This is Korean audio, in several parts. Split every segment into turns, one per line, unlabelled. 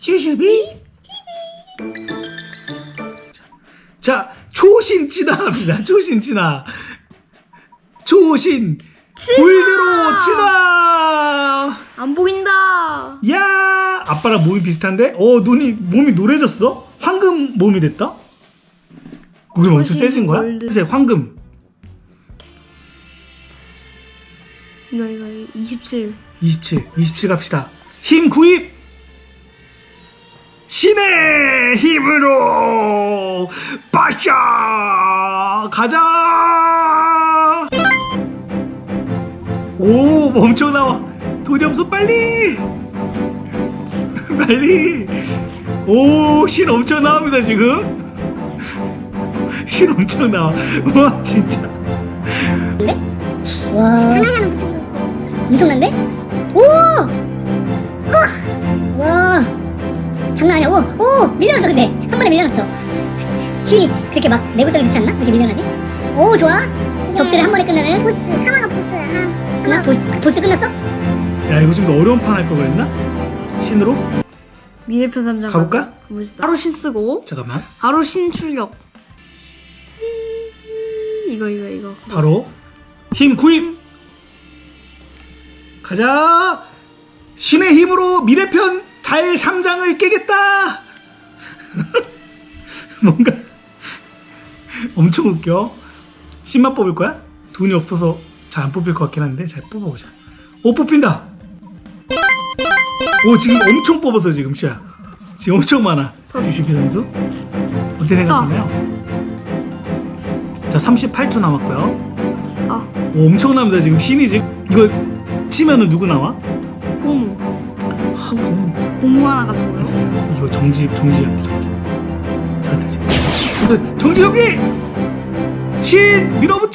쭈쭈비 자, 초신 진화합니다. 초신 진화. 초신 골드로 진화.
안 보인다.
야, 아빠랑 몸이 비슷한데? 몸이 노래졌어? 황금 몸이 됐다? 그럼 엄청 세진 거야?
골드.
글쎄, 황금.
이거 27.
27 갑시다. 힘 구입. 신의 힘으로 빠샤 가자. 오, 엄청 나와. 돈이 없어. 빨리 빨리. 오, 신 엄청 나옵니다 지금. 신 엄청 나와. 와, 진짜.
와, 엄청난데? 오! 와, 장난 아니야. 오, 밀려났어. 근데 한 번에 밀려났어. 힘이 그렇게 막 내구성이 좋지 않나? 이렇게 밀려나지? 오, 좋아. 적들을 한 번에 끝내는 보스. 하마가 보스야. 끝나? 보스 끝났어?
야, 이거 좀 더 어려운 판 할 걸 그랬나? 신으로?
미래편 3장
가볼까?
가봅시다. 바로 신 쓰고
잠깐만.
바로 신 출격. 이거
바로 힘 구입. 가자. 신의 힘으로 미래편 달 3장을 깨겠다. 뭔가 엄청 웃겨. 신만 뽑을 거야? 돈이 없어서 잘 안 뽑힐 것 같긴 한데 잘 뽑아보자. 오, 뽑힌다. 오, 지금 엄청 뽑았어. 지금 시야 지금 엄청 많아. 주식기 선수 어떻게 생각하나요? 자, 38초 남았고요. 오, 엄청납니다. 지금 신이 지금 이거 치면은 누구 나와?
고무.
보무.
고무 하나 가져고요.
이거 정지엽기. 잘한다 지금. 이거 정지엽기. 신 밀어붙여.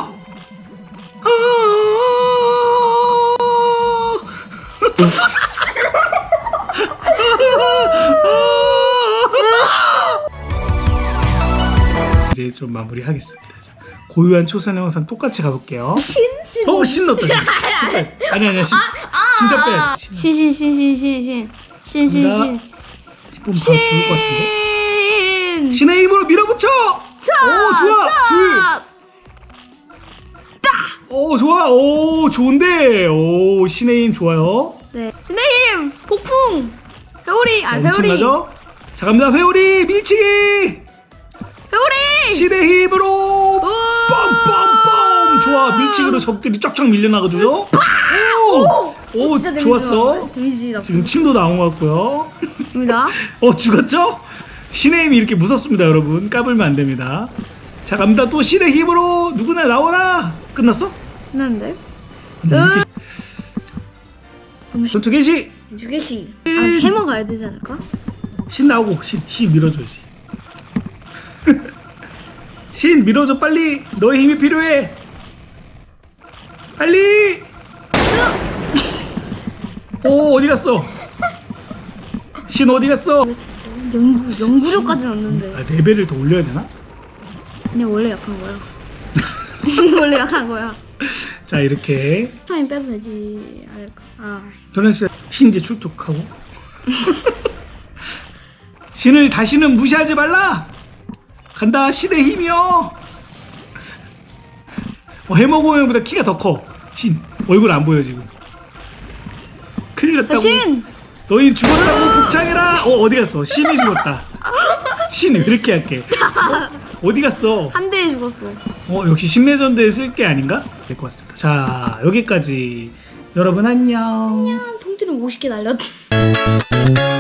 이제 좀 마무리하겠습니다. 고유한 초선 영상 똑같이 가볼게요. 신 넣었다. 아니야. 진짜 빼.
신.
뽑으면 바로 죽을 것 같은데. 신의 힘으로 밀어붙여. 오, 좋아. 줄. 오, 좋아. 오, 좋은데. 오, 신의 힘 좋아요.
네. 신의 힘 폭풍. 회오리. 회오리.
엄청나죠? 자, 갑니다. 회오리 밀치기.
회오리.
신의 힘으로 빰빰빰. 좋아. 밀치기로 적들이 쫙쫙 밀려나거든요. 오,
진짜
좋았어.
데미지 나쁘.
지금 침도 나온 것 같고요.
입니다.
죽었죠? 신의 힘이 이렇게 무섭습니다, 여러분. 까불면 안 됩니다. 자, 갑니다. 또 신의 힘으로 누구나 나오라. 끝났어?
끝났는데?
전투 개시.
2개씩. 해머 가야 되지 않을까?
신 나오고 신 밀어줘야지. 신 밀어줘 빨리. 너의 힘이 필요해. 빨리. 오, 어디 갔어? 신 어디 갔어?
연구력까지는 없는데.
레벨을 더 올려야 되나?
그냥 원래 약한 거야. 원래 약한 거야.
자, 이렇게
타임 빼도 되지 않을까?
도련씨 신제 출석하고. 신을 다시는 무시하지 말라. 간다. 신의 힘이여. 해머고형보다 키가 더 커. 신 얼굴 안 보여 지금. 큰일 났다고.
신!
너희 죽었다고 복창해라. 어디 갔어? 신이 죽었다. 신 왜 이렇게 약해? 어디 갔어?
한 대에 죽었어.
역시 신레전드에 쓸 게 아닌가? 될 것 같습니다. 자, 여기까지. 여러분 안녕.
통째로 50개 날렸다.